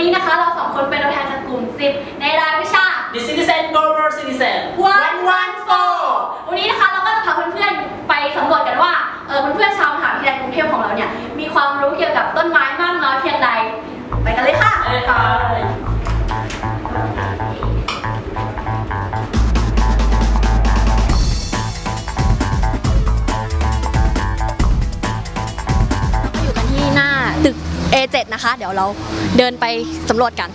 นี้นะคะเราสองคนเป็นตัวแทนจากกลุ่ม10ในรายวิชา The Citizen Global Citizen 114วันนี้นะคะเราก็จะพาเพื่อนๆไปสำรวจกันว่าเพื่อนๆชาวมหาวิทยาลัยกรุงเทพของเราเนี่ยมีความรู้เกี่ยวกับต้นไม้มากน้อยเพียงใดไปกันเลยค่ะอยู่กันที่หน้าตึก A7 นะคะเดี๋ยวเราเดินไปสำรวจกัน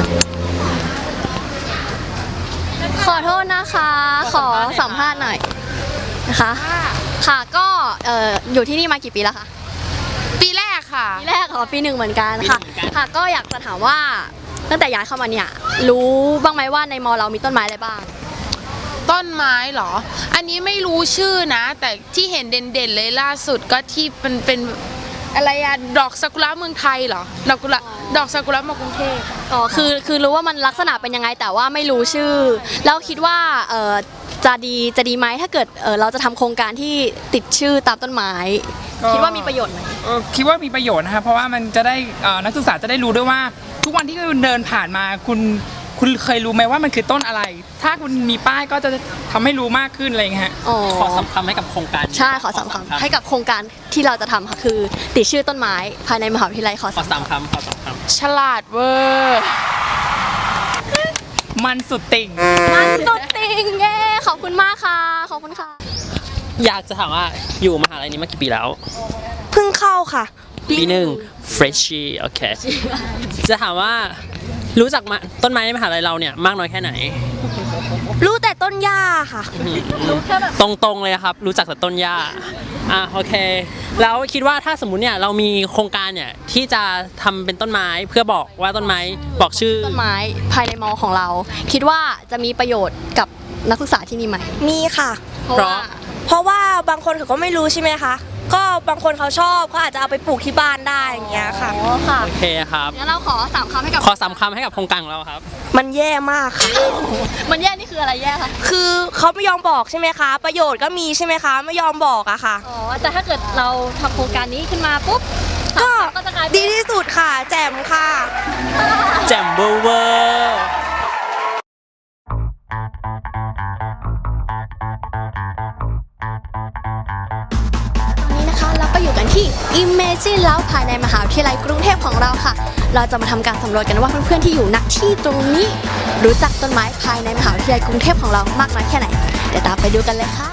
ขอโทษนะคะขอสัมภาษณ์หน่อยนะคะค่ะก็อยู่ที่นี่มากี่ปีแล้วคะปีแรกค่ะปีแรกปีหนึ่งเหมือนกันค่ะค่ะก็อยากจะถามว่าตั้งแต่ย้ายเข้ามาเนี่ยรู้บ้างไหมว่าในมอเรามีต้นไม้อะไรบ้างต้นไม้เหรออันนี้ไม่รู้ชื่อนะแต่ที่เห็นเด่นๆเลยล่าสุดก็ที่เป็นอะไรอะดอกซากุระเมืองไทยเหรอดอกซากุระมากรุงเทพคือรู้ว่ามันลักษณะเป็นยังไงแต่ว่าไม่รู้ชื่อแล้วคิดว่าจะดีไหมถ้าเกิดเราจะทำโครงการที่ติดชื่อตามต้นไม้คิดว่ามีประโยชน์ไหมคิดว่ามีประโยชน์นะครับเพราะว่ามันจะได้นักศึกษาจะได้รู้ด้วยว่าทุกวันที่คุณเดินผ่านมาคุณเคยรู้ไหมว่ามันคือต้นอะไรถ้าคุณมีป้ายก็จะทำให้รู้มากขึ้นอะไรอย่างเงี้ยขอสำคัญให้กับโครงการใช่ขอสำคัญให้กับโครงการที่เราจะทำค่ะคือติดชื่อต้นไม้ภายในมหาวิทยาลัยขอสามคำฉลาดเวอร์มันสุดติ่งเย้ขอบคุณมากค่ะขอบคุณค่ะอยากจะถามว่าอยู่มหาลัยนี้มากี่ปีแล้วเพิ่งเข้าค่ะปีหนึ่ง freshie โอเคจะถามว่ารู้จักต้นไม้ในมหาลัยเราเนี่ยมากน้อยแค่ไหนรู้แต่ต้นหญ้าค่ะรู้แค่แบบตรงๆเลยครับรู้จักแต่ต้นหญ้าโอเคแล้วคิดว่าถ้าสมมุติเนี่ยเรามีโครงการเนี่ยที่จะทำเป็นต้นไม้เพื่อบอกว่าต้นไม้บอกชื่อต้นไม้ภายในมอของเราคิดว่าจะมีประโยชน์กับนักศึกษาที่นี่ไหมมีค่ะเพราะว่าบางคนเขาก็ไม่รู้ใช่ไหมคะก็บางคนเขาชอบเขาอาจจะเอาไปปลูกที่บ้านได้อย่างเงี้ยค่ะค่ะโอเคครับงั้นเราขอ3 คำให้กับโครงการของเราครับมันแย่มากค่ะมันแย่นี่คืออะไรแย่คะคือเขาไม่ยอมบอกใช่ไหมคะประโยชน์ก็มีใช่ไหมคะไม่ยอมบอกอะค่ะแต่ถ้าเกิดเราทำโครงการนี้ขึ้นมาปุ๊บก็จะดีที่สุดค่ะแจ่มค่ะแจ่มเวอร์เราก็อยู่กันที่ Imagine แล้วภายในมหาวิทยาลัยกรุงเทพของเราค่ะเราจะมาทำการสำรวจกันว่าเพื่อนๆที่อยู่ณที่ตรงนี้รู้จักต้นไม้ภายในมหาวิทยาลัยกรุงเทพของเรามากน้อยแค่ไหนเดี๋ยวตามไปดูกันเลยค่ะ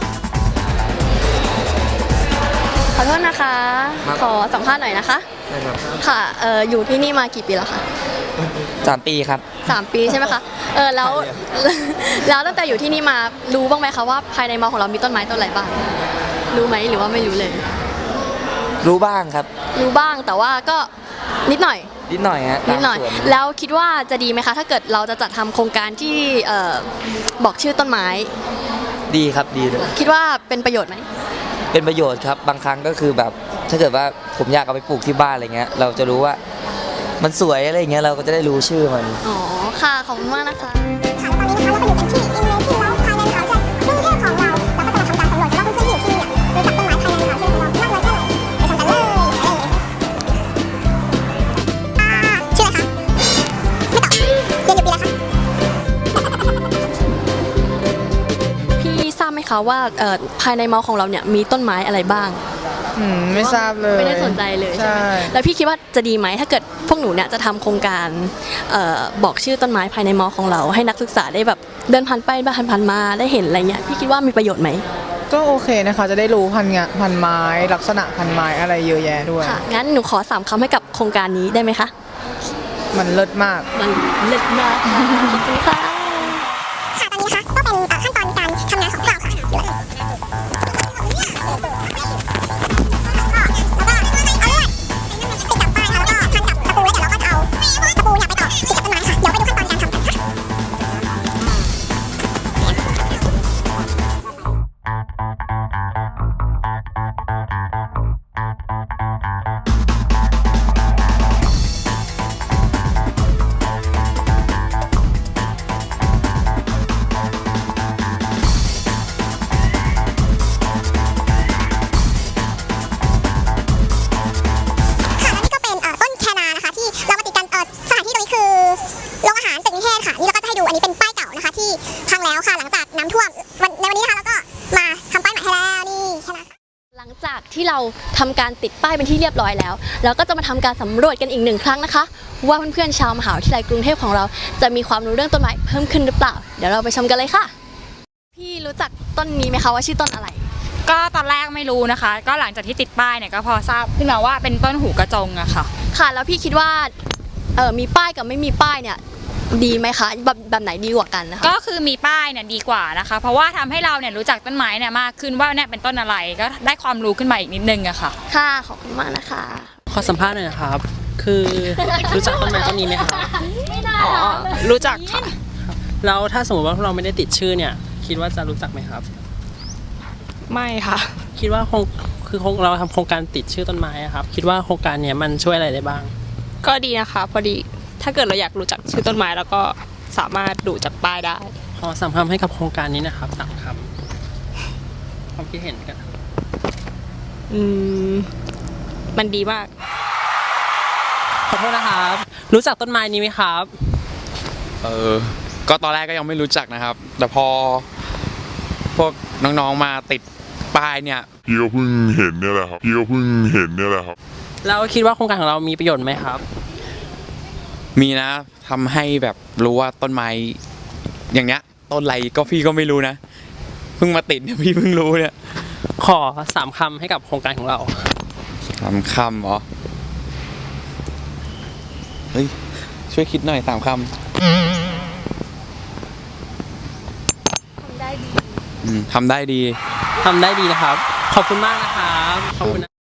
ขอโทษนะคะขอสัมภาษณ์หน่อยนะคะค่ะอยู่ที่นี่มากี่ปีแล้วคะ 3 ปีครับ 3 ปีใช่ไหมคะแล้วตั้งแต่อยู่ที่นี่มารู้บ้างไหมคะว่าภายในมอของเรามีต้นไม้ต้นอะไรบ้างรู้ไหมหรือว่าไม่รู้เลยรู้บ้างครับรู้บ้างแต่ว่าก็นิดหน่อยฮะนิดหน่อยแล้วคิดว่าจะดีไหมคะถ้าเกิดเราจะจัดทำโครงการที่บอกชื่อต้นไม้ดีครับดีเลยคิดว่าเป็นประโยชน์ไหมเป็นประโยชน์ครับบางครั้งก็คือแบบถ้าเกิดว่าผมอยากเอาไปปลูกที่บ้านอะไรเงี้ยเราจะรู้ว่ามันสวยอะไรอย่างเงี้ยเราก็จะได้รู้ชื่อมันอ๋อค่ะขอบคุณมากนะคะคะว่าภายในมอของเราเนี่ยมีต้นไม้อะไรบ้างไม่ทราบเลยไม่ได้สนใจเลยใช่ไหมแล้วพี่คิดว่าจะดีไหมถ้าเกิดพวกหนูเนี่ยจะทำโครงการบอกชื่อต้นไม้ภายในมอของเราให้นักศึกษาได้แบบเดินผ่านไปผ่านมาได้เห็นอะไรเงี้ยพี่คิดว่ามีประโยชน์ไหมก็โอเคนะคะจะได้รู้พันไม้ลักษณะพันไม้อะไรเยอะแยะด้วยค่ะงั้นหนูขอ3 คำให้กับโครงการนี้ได้ไหมคะมันเลิศมากขอบคุณค่ะค่ะตอนนี้นะคะก็เป็นขั้นตอนการทำงานของเราค่ะที่เราทำการติดป้ายเป็นที่เรียบร้อยแล้วเราก็จะมาทำการสำรวจกันอีกหนึ่งครั้งนะคะ ว่าเพื่อนๆชาวมหาวิทยาลัยกรุงเทพของเราจะมีความรู้เรื่องต้นไม้เพิ่มขึ้นหรือเปล่าเดี๋ยวเราไปชมกันเลยค่ะพี่รู้จักต้นนี้ไหมคะว่าชื่อต้นอะไรก็ตอนแรกไม่รู้นะคะ ก็หลังจากที่ติดป้ายเนี่ยก็พอทราบขึ้นมาว่าเป็นต้นหูกระจงอะค่ะค่ะแล้วพี่คิดว่ามีป้ายกับไม่มีป้ายเนี่ยดีไหมคะแบบไหนดีกว่ากันนะคะก็คือมีป้ายเนี่ยดีกว่านะคะ เพราะว่าทำให้เราเนี่ยรู้จักต้นไม้เนี่ยมากขึ้นว่าเนี่ยเป็นต้นอะไรก็ได้ความรู้ขึ้นมาอีกนิดนึงอะค่ะค่ะขอบคุณมากนะคะขอสัมภาษณ์หน่อยนะครับ คือรู้จักต้นไม้ต้นนี้ไหมครับอ๋อ รู้จักค่ะแล้วถ้าสมมติว่าเราไม่ได้ติดชื่อเนี่ย คิดว่าจะรู้จักไหมครับไม่ค่ะคิดว่าเราทำโครงการติดชื่อต้นไม้อะครับ คิดว่าโครงการเนี้ยมันช่วยอะไรได้บ้างก็ดีนะคะพอดีถ้าเกิดเราอยากรู้จักชื่อต้นไม้แล้วก็สามารถดูจากป้ายได้ขอ3 คำให้กับโครงการนี้นะครับ3 คำความคิดเห็นกันมันดีมากขอโทษนะครับ รู้จักต้นไม้นี้ไหมครับก็ตอนแรกก็ยังไม่รู้จักนะครับ แต่พอพวกน้องๆมาติดป้ายเนี่ยพี่ก็เพิ่งเห็นเนี่ยแหละครับแล้วคิดว่าโครงการของเรามีประโยชน์ไหมครับมีนะทำให้แบบรู้ว่าต้นไม้อย่างเนี้ยต้นอะไรก็พี่ก็ไม่รู้นะเพิ่งมาติดเนี่ยพี่เพิ่งรู้เนี่ยขอ3 คำให้กับโครงการของเรา 3 คำเหรอเฮ้ยช่วยคิดหน่อย3 คำทำได้ดีทำได้ดีนะครับ ขอบคุณมากนะครับขอบคุณนะ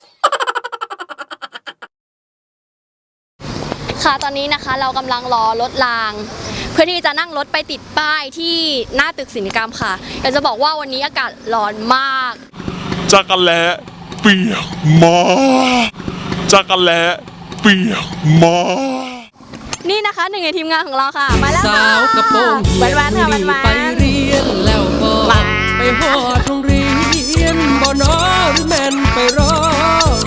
ค่ะตอนนี้นะคะเรากำลังรอรถราง เพื่อที่จะนั่งรถไปติดป้ายที่หน้าตึกศิลปกรรมค่ะอยากจะบอกว่าวันนี้อากาศร้อนมากจักรแล้เปียกมากจักรแล้เปียกมากนี่นะคะหนึ่งในทีมงานของเราค่ะมาแล้วค่ะสาวกระโปรงเหียนแวนๆค่ะแวนไปเรียนแล้วก็ไปหอดโรงเรียนบ่นอหรือแม่นไปรอ